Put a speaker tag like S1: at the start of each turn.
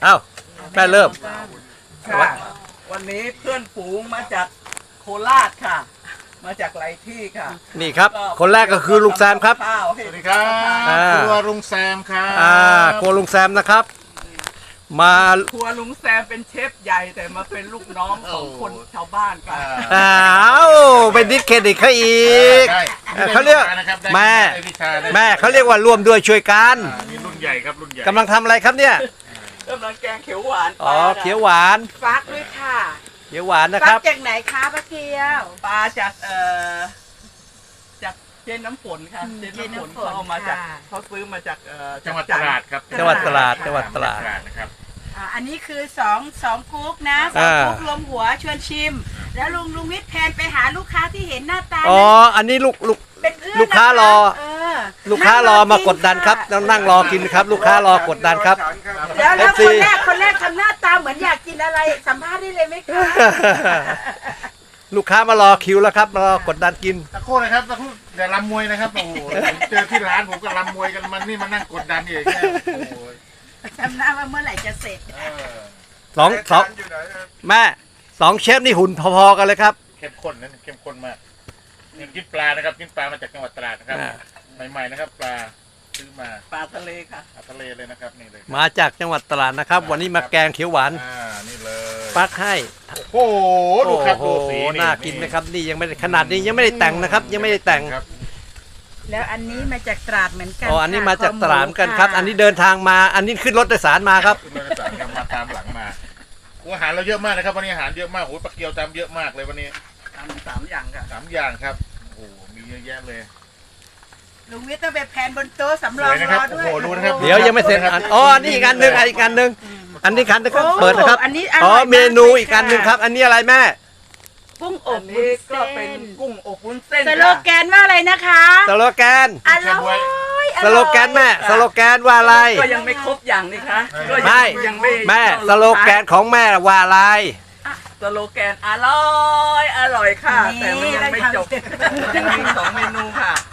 S1: เอ้าแม่เริ่ม
S2: ค่ะวันนี้เพื่อนฝูงมาจากโคราชค่ะ มาจากหลายที่ค่ะ
S1: นี่ครับคนแรกก็คือลุงแซมครับ
S2: ข้าวให้
S3: สวัสดีครับ
S1: อ่า
S3: ครัวลุงแซมครับ
S1: ครัวลุงแซมนะครับ มา
S2: ครัวลุงแซมเป็นเชฟใหญ่แต่มาเป็นลูกน้องของคนชาวบ้านค่ะ
S1: อ้าวเป็นดิสเครดิตเขาอีก
S3: ได้
S1: เขาเรียก
S3: นะครับได้
S1: แม่
S3: ได้วิชาได้
S1: แม่เขาเรียกว่าร่วมด้วยช่วยกัน
S3: นี่รุ่นใหญ่ครับรุ่นใหญ่
S1: กำลังทำอะไรครับเนี่ย
S2: กำลังแกงเขียวหวาน
S1: อ๋อเขียวหวาน
S4: ฟักด้วยค่ะ
S1: เขียวหวานนะค
S4: ฟั
S1: รับ
S4: กจากไหนคะป้าเกียว
S2: ปลาจากจากเจนน้ำฝนค่ะเจนน้ำฝนเขาเอามาจากเขาซื้อมาจาก
S3: จังหวัดตราดครับ
S1: จังหวัดตราดจังหวัดตราด
S3: นะครับ
S4: อันนี้คือสองกุ๊กนะสอง
S1: อ่า
S4: กุ๊กรวมหัวชวนชิม แล้วลุงวิทย์แพนไปหาลูกค้าที่เห็นหน้าตา
S1: อ๋ออันนี้ลูก
S4: เป็นเพื่อน
S1: ลูกค้ารอ
S4: เออ
S1: ลูกค้ารอมากดดันครับต้องนั่งรอกินครับ ลูกค้ารอกดดันครับ
S4: แล้ว
S1: FC
S4: คนแรกทำหน้าตาเหมือนอยากกินอะไรสัมภาษณ์ได้เลยไหมคะ
S1: ลูกค้ามารอคิวแล้วครับมารอกดดันกิน
S3: ตะโครู่นะครับตะโครู่อย่าลำมวยนะครับโอ้โหผมเจอที่ร้านผมก็ลำมวยกันมันนี่มานั่งกดดันอีกเนี่ยโอ้โห
S4: จำหน้าว่าเมื่อไหร่จะเสร็จ
S3: เออ
S1: สองแม่สองเชฟนี่หุ่นพอๆกันเลยครับ
S3: เข้มข้นนะเข้มข้นมากนี่กินปลานะครับกินปลามาจากจังหวัดตราดนะครับ
S1: อ่า
S3: ใหม่ๆนะครับปลาซื้อมา
S2: ปลาทะเลค่ะ
S3: ทะเลเลยนะครับนี่เลย
S1: มาจากจังหวัดตราดนะครับ วันนี้มาแกงเขียวหวาน
S3: นี่เลย
S1: ปักให้
S3: โอ้โหดูครับ
S1: โอ้
S3: ดู
S1: โห
S3: สี
S1: น่ากินไหมครับนี่ยังไม่ได้ขนาดนี้ยังไม่ได้แต่งนะครับ ยังไม่ได้แต่ง
S3: ครับ
S4: แล้วอันนี้มาจากตราดเหมือนกัน
S1: อ๋ออันนี้
S4: ค่ะ
S1: มาจากตราดเหมือนกันครับ
S4: ะ
S1: อันนี้เดินทางมาอันนี้ขึ้นรถโดยสารมาครับ
S3: คุณมาสั่งกันมาตามหลังมาอาหารเราเยอะมากนะครับวันนี้อาหารเยอะมากโอ้ยปลาเกียวตามเยอะมากเลยวันนี้
S2: ทำ3 อย่างค่ะ
S3: 3 อย่างครับโอ้โหมีเยอะแยะเลย
S4: ลุงวิทย์ต้องไปแพนบนโต๊ะสำรอง
S3: สวยนะค
S4: ร
S3: รับ
S4: อด้วย
S3: โอ้โหดูนะครับ
S1: เดี๋ยวยังไม่เสร็จอันอ๋อนี่อีกอันหนึ่งอีกอันหนึ่งอันนี้คันนะครับ
S4: โอ้
S1: เปิดนะครับ
S4: อันนี้
S1: อ๋อ
S4: ร่ยาก
S1: เมนู
S4: ลย
S1: อีกอันหนึ่งครับ อันนี้อะไรแม่
S4: กุ้งอ
S2: อั
S4: บ
S2: น
S4: วุ้
S2: นี้
S4: น
S2: ก็
S4: เส้
S2: เป็น
S4: น
S2: กุ้งอบวุ้นเส้น
S4: สโลแกนว่าอะไรนะคะ
S1: สโลแกน
S4: อร่อย
S1: สโลแกนแม่สโลแกนว่าอะไร
S2: ก็ยังไม่ครบอย่างนี่คะก็
S1: ไม่
S2: ยังไม่
S1: แม่สโลแกนของแม่ว่าอะไร
S2: สโลแกนอร่อยค่ะ แต่มันยังไม่จบยังมี2 เมนูค่ะ